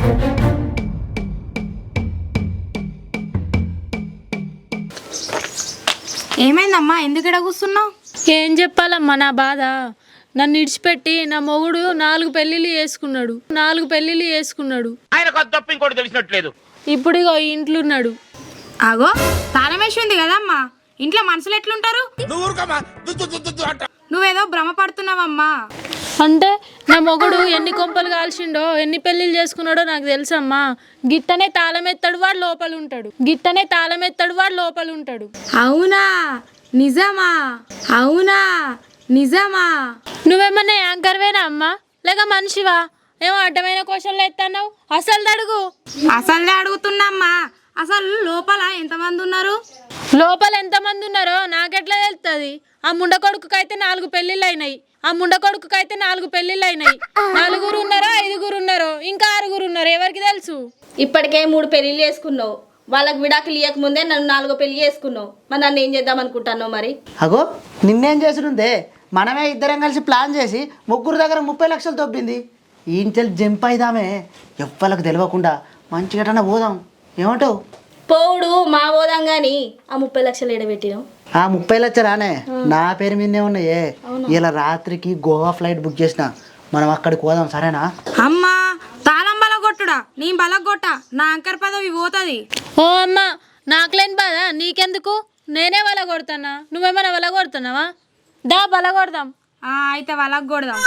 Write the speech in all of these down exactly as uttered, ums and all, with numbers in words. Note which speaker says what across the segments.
Speaker 1: ఏమైందమ్మా, ఎందుకు ఇక్కడ కూర్చున్నావు?
Speaker 2: ఏం చెప్పాలమ్మా నా బాధ. నన్ను ఇడిచిపెట్టి నా మొగుడు నాలుగు పెళ్లిళ్ళు చేసుకున్నాడు నాలుగు పెళ్లిళ్ళు చేసుకున్నాడు ఇప్పుడు ఇగో ఇంట్లో ఉన్నాడు.
Speaker 1: ఆగో, తాళం వేసి ఉంది కదమ్మా, ఇంట్లో మనుషులు ఎట్లుంటారు? నువ్వేదో భ్రమపడుతున్నావమ్మా.
Speaker 2: అంటే నా మొగుడు ఎన్ని కొంపలు కాల్చిండో ఎన్ని పెళ్లిళ్ళు చేసుకున్నాడో నాకు తెలుసమ్మా. గిట్టనే తాళం ఎత్తాడు, వాడు లోపల ఉంటాడు. గిట్టనే తాళం ఎత్తాడు, వాడు లోపల ఉంటాడు.
Speaker 1: అవునా? నిజమా? అవునా? నిజమా?
Speaker 2: నువ్వేమన్నా యాంకర్వేనా అమ్మా, లేక మనిషివా? ఏమో అడ్డమైన క్వశ్చన్లు ఎత్తన్నావు. అసలు అడుగు.
Speaker 1: అసలు అడుగుతున్నామ్మా. అసలు లోపల ఎంతమంది ఉన్నారు?
Speaker 2: లోపల ఎంతమంది ఉన్నారో నాకెట్లా తెలుస్తుంది? ఆ ముండ కొడుకుకైతే నాలుగు పెళ్లిళ్ళు అయినాయి. ఆ ముండ కొడుకుకైతే నాలుగు పెళ్లిళ్ళు అయినాయి. నలుగురు ఉన్నారో ఐదుగురు ఉన్నారో ఇంకా ఆరుగురు ఉన్నారు, ఎవరికి తెలుసు?
Speaker 3: ఇప్పటికే మూడు పెళ్లిళ్ళు చేసుకున్నావు, వాళ్ళకి విడాకులు ఇవ్వక ముందే నన్ను నాలుగో పెళ్లి చేసుకున్నావు. మరి నన్ను ఏం చేద్దాం అనుకుంటున్నావు? మరి
Speaker 4: అగో, నిన్నేం చేసుడుందే? మనమే ఇద్దరం కలిసి ప్లాన్ చేసి ముగ్గురు దగ్గర ముప్పై లక్షలు తొబ్బింది. ఈ ఇంచెల్ జంప్ అయిదామే, ఎవ్వలకు తెలియకుండా మంచిగా పోదాం. ఏమంటావు?
Speaker 3: పోవుడు మా పోదాం కానీ ఆ ముప్పై లక్షలు ఎడబెట్టినావు.
Speaker 4: ఆ ముప్పై లక్షలానే నా పేరు మీదనే ఉన్నాయే. ఇలా రాత్రికి గోవా ఫ్లైట్ బుక్ చేసిన, మనం అక్కడికి పోదాం, సరేనా?
Speaker 1: అమ్మా, తాళం బలగొట్టుడా, నీ బలగొట్ట, నా అంకర్ పదవి పోతుంది.
Speaker 2: ఓ అమ్మ, నాకులేని బాధ నీకెందుకు? నేనే వల కొడుతున్నా, నువ్వేమైనా వల కొడుతున్నావా? దా బల కొడదాం.
Speaker 1: అయితే వలగొడదాం.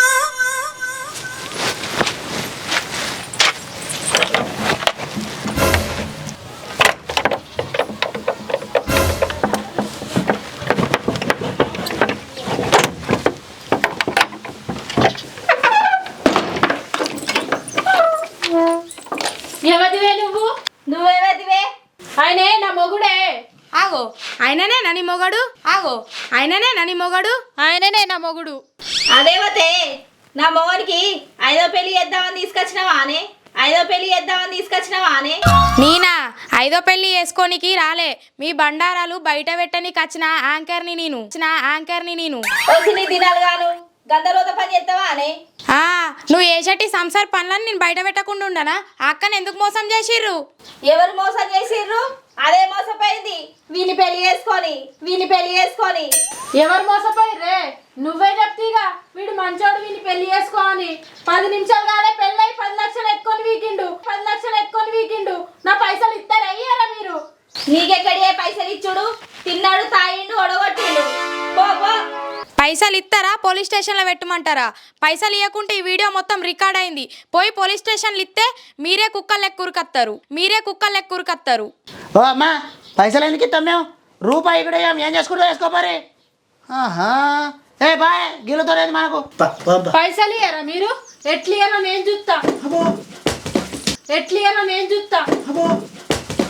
Speaker 2: ఎవరివే నువ్వు?
Speaker 3: నువ్వేవదివే?
Speaker 2: ఆయనే నా మొగుడే.
Speaker 1: ఆగో, ఆయననే నని మొగడు. ఆగో, ఆయననే నని మొగడు.
Speaker 2: ఆయననే నా మొగుడు.
Speaker 3: అదేవతే, నా మొగడికి ఐదో పెళ్లి చేద్దామని తీసుకొచ్చినావా అనే? ఐదో పెళ్లి చేద్దామని తీసుకొచ్చినావా అనే?
Speaker 1: నేనా ఐదో పెళ్లి వేసుకోనికి రాలే, మీ బండారాలు బయట పెట్టనికి వచ్చిన యాంకర్ని నేను వచ్చిన యాంకర్ని నేను
Speaker 3: వచ్చిన దినాలు గాను గందరోత పని చేస్తావా అనే?
Speaker 1: ఆ నువ్వు ఏసటి సంసార్ పనులను నేను బయట పెట్టకుండా ఉండనా? అక్కని ఎందుకు మోసం చేసిర్రు?
Speaker 3: ఎవరు మోసం చేసిర్రు? అదే మోసపోయింది, వీని పెళ్లి చేసుకొని వీని పెళ్లి చేసుకొని.
Speaker 2: ఎవరు మోసపోయిర్రే? నువ్వే చెప్తీగా వీడు మంచోడు, వీని పెళ్లి చేసుకో అని. పది నిమిషాలు కాలే పెళ్ళై పది లక్షలు ఎక్కుని వీకిండు పది లక్షలు ఎక్కుని వీకిండు నా పైసలు ఇస్తారా అయ్యారా మీరు?
Speaker 3: నీకెక్కడే పైసలు ఇచ్చుడు? తిన్నాడు, తాయిండు, ఒడగొట్టిండు. పో పో.
Speaker 1: పైసలు ఇస్తారా? పోలీస్ స్టేషన్లో పెట్టమంటారా? పైసలు ఇవ్వకుంటే ఈ వీడియో మొత్తం రికార్డ్ అయింది. పోయి పోలీస్ స్టేషన్లు ఇస్తే మీరే కుక్కలు ఎక్కురుకత్తారు మీరే కుక్కలు ఎక్కురుకత్తారు
Speaker 4: ఓ అమ్మా, పైసలు ఎందుకు ఇస్తాం మేము? రూపాయి కూడా ఏం చేసుకుంటూ వేసుకోపారి. ఆహా, ఏ బాయ్, గిల్లుతో లేదు మనకు.
Speaker 2: పైసలు ఇయ్యారా మీరు? ఎట్లు ఇయ్యారో నేను చూస్తా. ఎట్లు ఇయ్యారో నేను చూస్తా.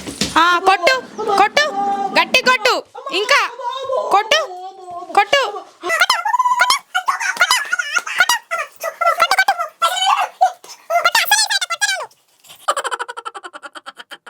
Speaker 1: కొట్టు కొట్టు, గట్టి కొట్టు, ఇంకా కొట్టు కొట్టు.